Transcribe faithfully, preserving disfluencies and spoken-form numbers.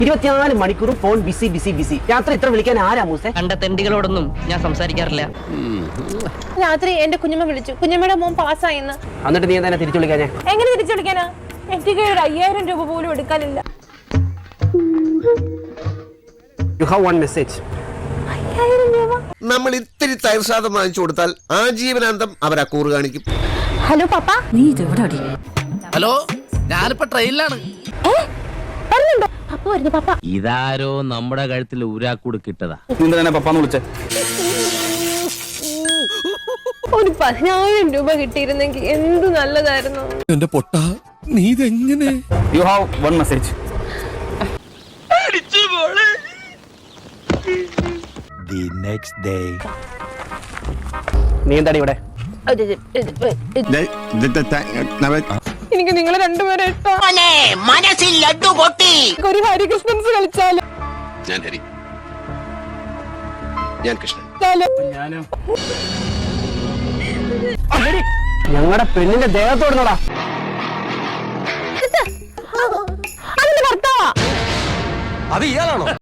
ഇരുപത്തിനാല് മണിക്കൂറും phone busy busy busy. രാത്രി ഇത്ര വിളിക്കാൻ ആരാ മൂസേ? കണ്ട തെണ്ടികളോടൊന്നും ഞാൻ സംസാരിക്കാറില്ല. രാത്രി എന്റെ കുഞ്ഞമ്മ വിളിച്ചു, കുഞ്ഞമ്മയുടെ മോൻ പാസ്സായിന്ന്. എന്നിട്ട് നീ എന്താ തിരിച്ചു വിളിക്കാഞ്ഞേ? എങ്ങനെ തിരിച്ചു വിളിക്കാനാ? എനിക്ക് ഒരു അയ്യായിരം രൂപ പോലും എടുക്കാനില്ല. You have one message. അയ്യായിരം രൂപ നമ്മൾ ഇത്തിരി തൈർസാദം വാങ്ങിച്ചു കൊടുത്താൽ ആജീവനാന്തം അവർ ആ കൂറ് കാണിക്കും. ഹലോ പപ്പ. നീ ഇതെവിടെ അടി? ഹലോ, ഞാനിപ്പോ ട്രെയിനിലാണ്. വരുന്നുണ്ടോ? പപ്പ വരുന്നു പപ്പ. ഇതാരോ നമ്മുടെ കഴുത്തിൽ ഊരാക്കൂട് കിട്ടതാ. പപ്പാന്ന് വിളിച്ചേ. ഒരു പതിനായിരം രൂപ കിട്ടിയിരുന്നെങ്കിൽ എന്ത് നല്ലതായിരുന്നു. എന്റെ പൊട്ട, നീ ഇതെങ്ങനെ? You have one message. The next day. നീ എന്താടി ഇവിടെ? എനിക്ക് നിങ്ങളെ രണ്ടുപേരെ ഒരു ഹരികൃഷ്ണൻസ് കളിച്ചാലോ? ഞാൻ ഹരി, ഞാൻ കൃഷ്ണൻ. ഞങ്ങളുടെ പെണ്ണിന്റെ ദേഹത്തോടുന്നടാ. അതിന്റെ ഭർത്താവാ. അത് ഇയാളാണോ?